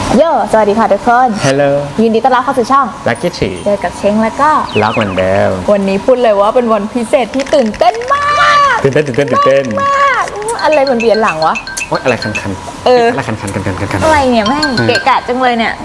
โย่สวัสดีค่ะทุกคน Hello ยินดีต้อนรับเข้าสู่ช่อง Lucky Tree เจอกับเช้งแล้วก็รักเหมือนเดิมวันนี้พูดเลยว่าเป็นวันพิเศษที่ตื่นเต้นมากตื่นเต้นมากอะไรมันเวียนหลังวะโอ๊ยอะไรคันอะไรคันอะไรเนี่ยแม่งเกะกะจังเลยเนี่ย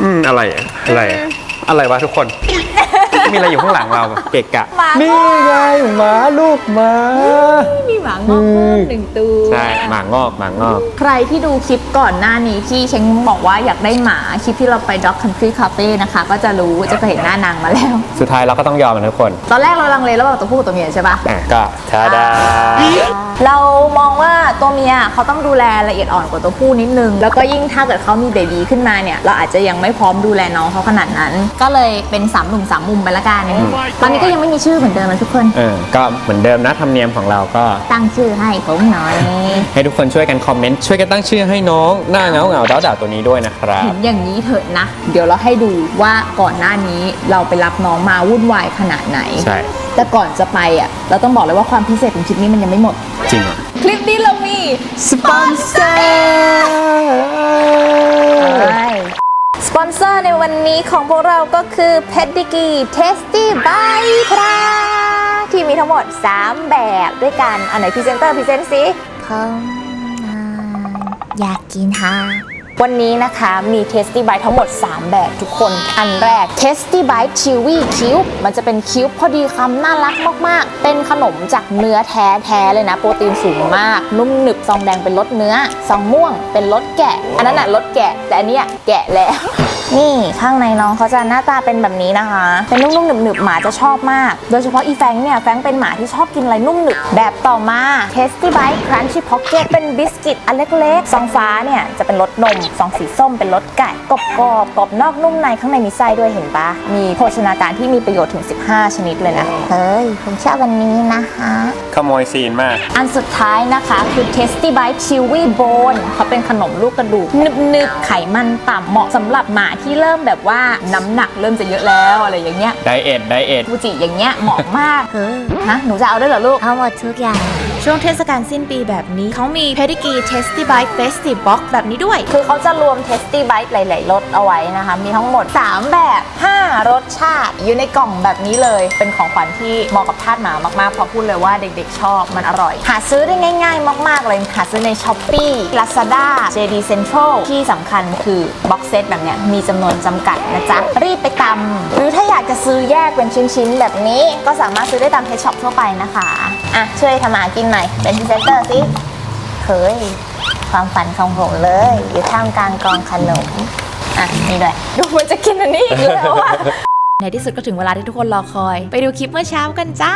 อะไรวะทุกคน มีอะไรอยู่ข้างหลังเราเกะกะหมานี่ไงหมาลูกหมามีหมางอกเพิ่มหนึ่งตัวใช่หมางอกใครที่ดูคลิปก่อนหน้านี้ที่เช้งบอกว่าอยากได้หมาคลิปที่เราไป Dog Country Cafe นะคะก็จะรู้จะเคยเห็นหน้านางมาแล้วสุดท้ายเราก็ต้องยอมมันทุกคนตอนแรกเราลังเลระหว่างตัวผู้กับตัวเมียใช่ปะก็ทาดาเรามองว่าตัวเมียเขาต้องดูแลละเอียดอ่อนกว่าตัวผู้นิดนึงแล้วก็ยิ่งถ้าเกิดเขามีเบบีขึ้นมาเนี่ยเราอาจจะยังไม่พร้อมดูแลน้องเขาขนาดนั้น ก็เลยเป็น3หนุ่ม3มุมไปละกันตอนนี้ก็ยังไม่มีชื่อเหมือนเดิมนะทุกคนก็เหมือนเดิมนะธรรมเนียมของเราก็ตั้งชื่อให้ผมหน่อยให้ทุกคนช่วยกันคอมเมนต์ช่วยกันตั้งชื่อให้น้องหน้าเงาด่าตัวนี้ด้วยนะครับเห็นอย่างนี้เถอะนะ เดี๋ยวเราให้ดูว่าก่อนหน้านี้เราไปรับน้องมาวุ่นวายขนาดไหนใช่แต่ก่อนจะไปอ่ะเราต้องบอกเลยว่าความพิเศษของคลิปนี้มันยังไม่หมดจริงเหรอคลิปนี้เรามีสปอนเซอร์ในวันนี้ของพวกเราก็คือ Pedigree Tasty Bite ครับที่มีทั้งหมด3แบบด้วยกันอันไหนพรีเซนเตอร์พรีเซนต์สิผมอยากกินฮะวันนี้นะคะมี Tasty Bite ทั้งหมด3แบบทุกคนอันแรก Tasty Bite Chewy Cube มันจะเป็นคิวบ์พอดีคำน่ารักมากๆเป็นขนมจากเนื้อแท้ๆเลยนะโปรตีนสูงมากนุ่มหนึบซองแดงเป็นรสเนื้อซองม่วงเป็นรสแกะอันนั้นน่ะรสแกะแต่อันเนี้ยแกะแล้ว นี่ข้างในน้องเขาจะหน้าตาเป็นแบบนี้นะคะเป็นนุ่มๆหนึบๆหมาจะชอบมากโดยเฉพาะอีแฟงเนี่ยแฟงเป็นหมาที่ชอบกินอะไรนุ่มหนึบแบบต่อมา Tasty Bite Crunchy Pocket เป็นบิสกิตอันเล็กๆซองฟ้าเนี่ยจะเป็นรสนมซองสีส้มเป็นรสไก่กรอบนอกนุ่มในข้างในมีไส้ด้วยเห็นปะมีโภชนาการที่มีประโยชน์ถึง15ชนิดเลยนะเฮ้ยผมชอบวันนี้นะคะขโมยซีนมากอันสุดท้ายนะคะคือ Tasty Bite Chewy Bone เขาเป็นขนมลูกกระดูกนึบๆไขมันต่ำเหมาะสำหรับหมาที่เริ่มแบบว่าน้ำหนักเริ่มจะเยอะแล้วอะไรอย่างเงี้ยไดเอทฟูจิอย่างเงี้ยเหมาะมากฮะหนูจะเอาด้วยเหรอลูกเอาหมดทุกอย่างช่วงเทศกาลสิ้นปีแบบนี้เขามี Pedigree Tasty Bite Festive Box แบบนี้ด้วยคือเขาจะรวม Tasty Bite หลายๆรสเอาไว้นะคะมีทั้งหมด3แบบ5รสชาติอยู่ในกล่องแบบนี้เลยเป็นของขวัญที่เหมาะกับทาสหมามากๆเพราะพูดเลยว่าเด็กๆชอบมันอร่อยหาซื้อได้ง่ายๆมากๆเลยหาซื้อใน Shopee Lazada JD Central ที่สำคัญคือบ็อกเซตแบบเนี้ยมีจำนวนจำกัดนะจ๊ะรีบไปตำหรือถ้าอยากจะซื้อแยกเป็นชิ้นๆแบบนี้ก็สามารถซื้อได้ตามเพจช็อปทั่วไปนะคะอ่ะช่วยทำมากินหน่อยเป็นพรีเซนเตอร์สิเฮ้ยความฝันของผมเลยอยู่ท่ามกลางกองขนมอ่ะนี่ด้วยดูมันจะกินอันนี้อีกแล้วอ่ะในที่สุดก็ถึงเวลาที่ทุกคนรอคอยไปดูคลิปเมื่อเช้ากันจ้าก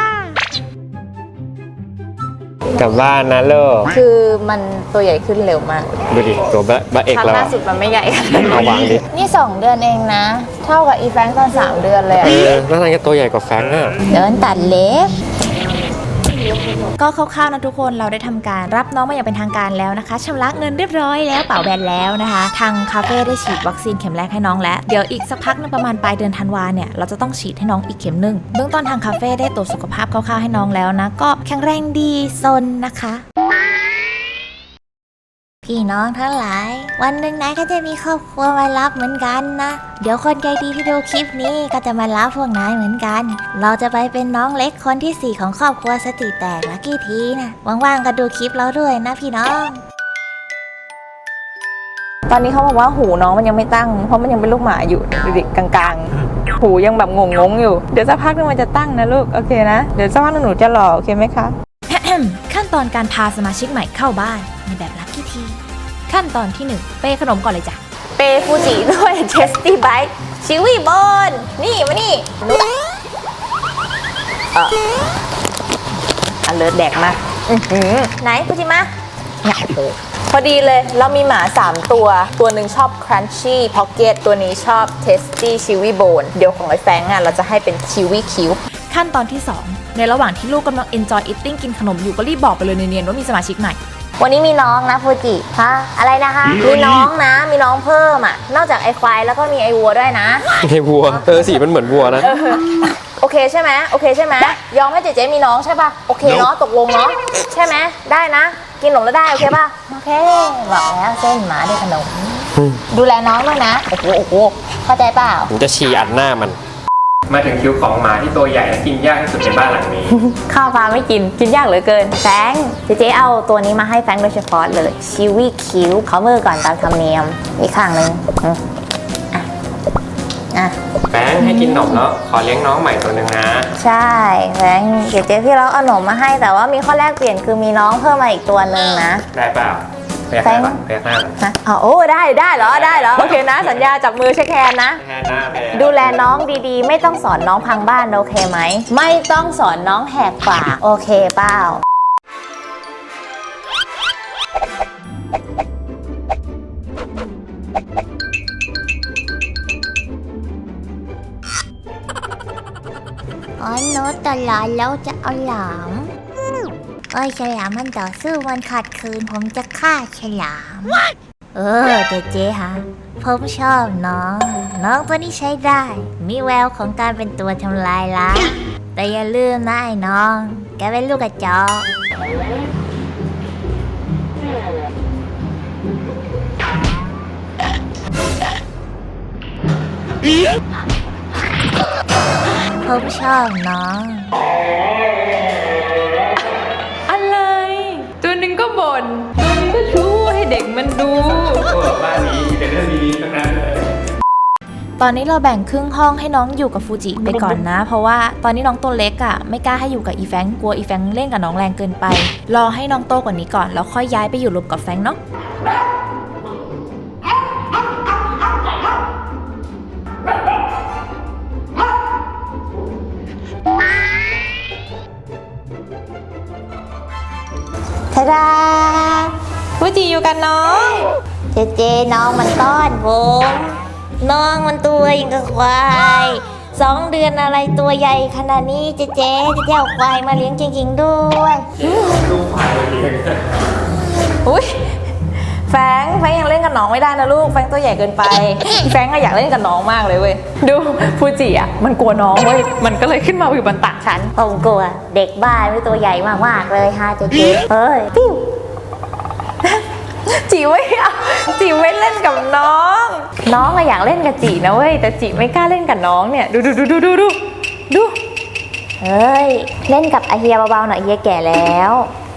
ลับบ้านนะลูกคือมันตัวใหญ่ขึ้นเร็วมากดูดิตัวบะเอกครั้งเราล่าสุดมันไม่ใหญ่ค่ะเอาวางดินี่2 เดือนเองนะเท่ากับอีแฟรงค์ตอน3 เดือนเลยอะแล้วนางจะตัวใหญ่กว่าแฟรงค์อ่ะเดินตัดเล็บก็คร่าวๆนะทุกคนเราได้ทำการรับน้องมาอย่างเป็นทางการแล้วนะคะชำระเงินเรียบร้อยแล้วเป๋าแบนแล้วนะคะทางคาเฟ่ได้ฉีดวัคซีนเข็มแรกให้น้องแล้วเดี๋ยวอีกสักพักนึงประมาณปลายเดือนธันวาเนี่ยเราจะต้องฉีดให้น้องอีกเข็มนึงเบื้องต้นทางคาเฟ่ได้ตรวจสุขภาพคร่าวๆให้น้องแล้วนะก็แข็งแรงดีซนนะคะพี่น้องทั้งหลายวันหนึ่งนายก็จะมีครอบครัวมารับเหมือนกันนะเดี๋ยวคนใจดีที่ดูคลิปนี้ก็จะมารับพวกนายเหมือนกันเราจะไปเป็นน้องเล็กคนที่4ของครอบครัวสติแตกลักกี้ทีนะว่างๆก็ดูคลิปเราด้วยนะพี่น้องตอนนี้เขาบอกว่าหูน้องมันยังไม่ตั้งเพราะมันยังเป็นลูกหมาอยู่ดูดิกลางๆหูยังแบบงงๆอยู่เดี๋ยวสักพักนึงมันจะตั้งนะลูกโอเคนะเดี๋ยวสักพักนึงหนูจะหล่อโอเคไหมคะขั้นตอนการพาสมาชิกใหม่เข้าบ้านในแบบลักกี้ทีขั้นตอนที่1เปขนมก่อนเลยจ้ะเปฟูจิด้วย Tasty Bite Chewy Bone นี่มานี่เลิศแดกมาไหนฟูจิมาเนี่ยพอดีเลยเรามีหมา3ตัวหนึ่งชอบ Crunchy Pocket ตัวนี้ชอบ Tasty Chewy Bone เดี๋ยวของไอ้แฟงอ่ะเราจะให้เป็น Chewy Cube ขั้นตอนที่2ในระหว่างที่ลูกกำลัง enjoy eating กินขนมอยู่ก็รีบบอกไปเลยเนียนๆว่ามีสมาชิกใหม่วันนี้มีน้องนะฟูจิฮะอะไรนะคะมีน้องนะมีน้องเพิ่มอ่ะนอกจากไอ้ควายแล้วก็มีไอ้วัวด้วยนะไอ้วัวสีมันเหมือนวัวนะโอเคใช่ไหมโอเคใช่ไหมยอมให้เจ๊มีน้องใช่ป่ะโอเคเนาะตกลงเนาะใช่ไหมได้นะกินขนมแล้วได้โอเคป่ะโอเคบอกแล้วเส้นหมาได้ขนมดูแลน้องด้วยนะ โอ้โหโอ้โหเข้าใจเปล่าผมจะฉี่อัดหน้ามัน มาถึงคิวของหมาที่ตัวใหญ่และกินยากที่สุดในบ้านหลังนี้ข้าวปลาไม่กินยากเหลือเกินแฟรงค์เจ๊เอาตัวนี้มาให้แฟรงค์โดยเฉพาะเลยชิวีคิวเขามือก่อนตามธรรมเนียมอีกข้างหนึ่งอ่ะแฟงให้กินขนมแล้วขอเลี้ยงน้องใหม่ตัวหนึ่งนะใช่แฟรงค์เจ๊พี่เราเอาขนมมาให้แต่ว่ามีข้อแรกเปลี่ยนคือมีน้องเพิ่มมาอีกตัวหนึ่งนะได้เปล่าพยักหน้าก่อนพยักหน้าก่อนฮะอ๋อโอ้ได้เหรอโอเคนะ สัญญาจับมือเช็คแฮนด์นะพยักหน้าไปดูแลน้องดีๆ ไม่ต้องสอนน้องพังบ้านโอเคไหมไม่ต้องสอนน้องแหกปากโอเคเปล่าอ๋อโน้ตตลอดแล้วจะเอาหลามเอ้ยฉลามมันต่อสู้มันขัดขืนผมจะฆ่าฉลามเจ๊ฮะผมชอบน้องตัวนี้ใช้ได้ มีแววของการเป็นตัวทำลายล้างแต่อย่าลืมนะไอ้น้อง แกเป็นลูกกระจอกผมชอบน้องอะไร ตัวหนึ่งก็บ่นตัวหนึงก็ชู้ให้เด็กมันดูบ้านนี้เป็นเรื่องดีๆทั้งนั้นเลยตอนนี้เราแบ่งครึ่งห้องให้น้องอยู่กับฟูจิไปก่อนนะ เพราะว่าตอนนี้น้องตัวเล็กอ่ะไม่กล้าให้อยู่กับอีแฟงกลัวอีแฟงเล่นกับน้องแรงเกินไป รอให้น้องโตกว่านี้ก่อนแล้วค่อยย้ายไปอยู่รวมกับแฟงเนาะทาดาฟูจิอยู่กันน้องเจน้องมันต้อนผมน้องมันตัวอย่างกับควาย2 เดือนอะไรตัวใหญ่ขนาดนี้เจ๊เอาควายมาเลี้ยงจริงๆด้วยดูผ่านเลยอุ้ยแฟงยังเล่นกับน้องไม่ได้นะลูกแฟงตัวใหญ่เกินไปแฟงอะอยากเล่นกับน้องมากเลยเว้ยดูฟูจิอะมันกลัวน้องเว้ยมันก็เลยขึ้นมาอยู่บนตักฉันผมกลัวเด็กบ้านไม่ตัวใหญ่มากๆเลยฮะเจ๊เฮ้ยปิ้วจีไม่เอาจีไม่เล่นกับน้องอะอยากเล่นกับจีนะเว้ยแต่จีไม่กล้าเล่นกับน้องเนี่ยดูเฮ้ยเล่นกับไอเฮียเบาๆหน่อยเฮียแก่แล้ว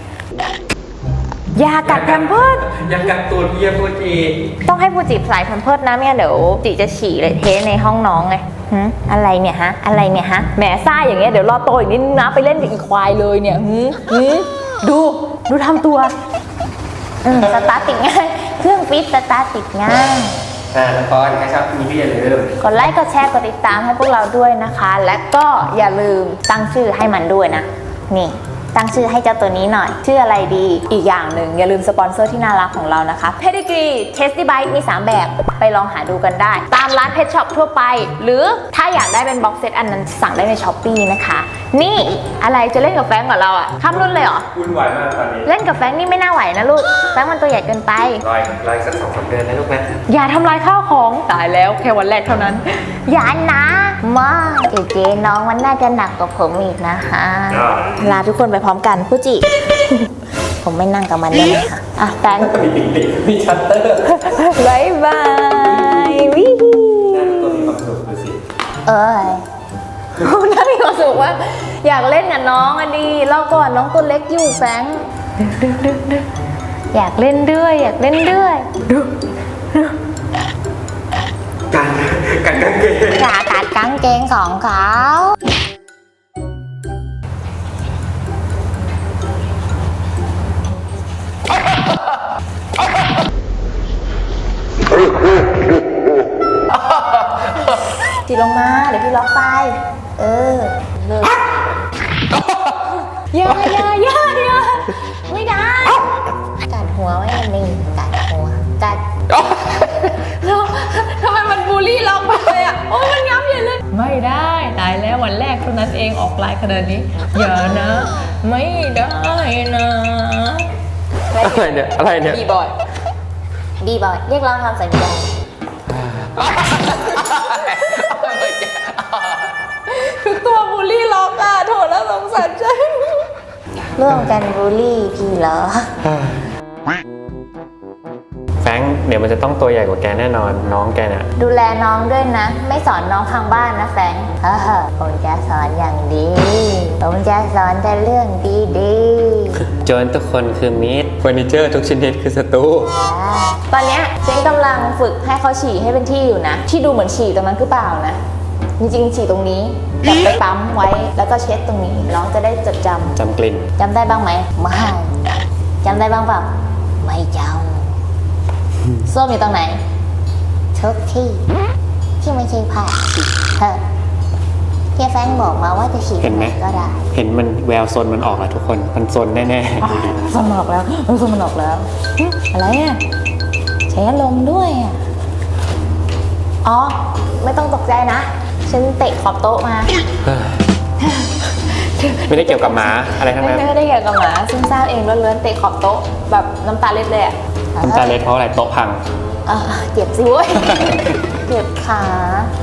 อย่ากัดแพมเพิร์สยังกัดตูดเยียฟูจิต้องให้ฟูจิใส่แพมเพิร์สนะไม่งั้นเดี๋ยวจิจะฉี่เลยเทในห้องน้องไงอะไรเนี่ยฮะแหมซ่าอย่างเงี้ยเดี๋ยวรอโตอีกนิดนึงนะไปเล่นกับอีควายเลยเนี่ยดูทำตัวสตาร์ทติดง่ายเครื่องฟิตสตาร์ทติดง่ายแล้วก็ถ้าชอบคลิปนี้ก็อย่าลืมกดไลค์กดแชร์กดติดตามให้พวกเราด้วยนะคะ และก็อย่าลืมตั้งชื่อให้มันด้วยนะนี่ตั้งชื่อให้เจ้าตัวนี้หน่อยชื่ออะไรดีอีกอย่างหนึ่งอย่าลืมสปอนเซอร์ที่น่ารักของเรานะคะ Pedigree Tasty Bite มี3แบบไปลองหาดูกันได้ ตามร้านเพชช็อปทั่วไปหรือถ้าอยากได้เป็นบ็อกเซตอันนั้นสั่งได้ใน Shopee นะคะนี่อะไรจะเล่นกับแฟงกับเราอะข้ามรุ่นเลยเหรอวุ่นวายมากตอนนี้เล่นกับแฟงนี่ไม่น่าไหวนะลูกแฟงมันตัวใหญ่เกินไปรอยสัก2-3 เดือนนะลูกนะอย่าทำลายข้าวของตายแล้วแค่วันแรกเท่านั้น อย่านะมาเจ๊น้องมันน่าจะหนักกว่าผมอีกนะคะลาทุกคนไปพร้อมกันฟูจิ ผมไม่นั่งกับมันได้ไหมคะอ่ะแฟนมีชัตเตอร์บายบายวิตัวมีความสุขดูสิน่ามีความสุขว่าอยากเล่นกับน้องอะดีเล่าก่อนน้องตัวเล็กอยู่แฟงอยากเล่นด้วยกันกางเกงอย่ากัดกางเกงของเขาจีลงมาเดี๋ยวพี่ล็อกไปอย่าไม่ได้กัดหัวไว้มันนี่กัดหัวกัดทำไมมันบูลลี่เราไปเลยอ่ะ โอ้ยมันย้ำใหญ่เลย ไม่ได้ตายแล้ววันแรกเท่านั้นเองออกลายขนาดนี้ อย่านะ ไม่ได้นะอะไรเนี่ยบีบอยเรียกร้องความสนใจทุกตัวบูลลี่ล็อกอ่ะโถแล้วสงสารใจร่วมกันบูลลี่พี่เหรอแฟงเดี๋ยวมันจะต้องตัวใหญ่กว่าแกแน่นอนน้องแกเนี่ยดูแลน้องด้วยนะ ไม่สอนน้องทางบ้านนะแฟรงค์ผมจะสอนอย่างดี ผมจะสอนแต่เรื่องดีโจรทุกคนคือมิตรเฟอร์นิเจอร์ทุกชนิดคือศัตรูๆตอนเนี้ยเจ๊งกำลังฝึกให้เขาฉี่ให้เป็นที่อยู่นะ ที่ดูเหมือนฉี่ตรงนั้นคือเปล่านะ จริงๆฉี่ตรงนี้แบบไปปั๊มไว้แล้วก็เช็ดตรงนี้น้องจะได้จดจำจำกลิ่นจำได้บ้างไหมไม่จำได้บ้างเปล่าไม่จำส้วมอยู่ตรงไหนทุกที่ที่ไม่ใช่ผ้าฉี่เฮียแฟรงค์บอกมาว่าจะฉี่เห็นไหมก็ได้เห็นมันแววซนมันออกแล้วทุกคนมันซนแน่ส้วมมันออกแล้วส้วมมันออกแล้วอะไรอ่ะใช้อารมณ์ด้วยอ่ะอ๋อไม่ต้องตกใจนะฉันเตะขอบโต๊ะมาๆ ไม่ได้เกี่ยวกับหมาอะไรทั้งนั้นไม่ได้เกี่ยวกับหมาซึมซ่ามเองล้วนๆเตะขอบโต๊ะแบบน้ำตาเล็ดเลยอ่ะน้ำตาเล็ดเพราะอะไรโต๊ะพังเจ็บสิเว้ย เจ็บขา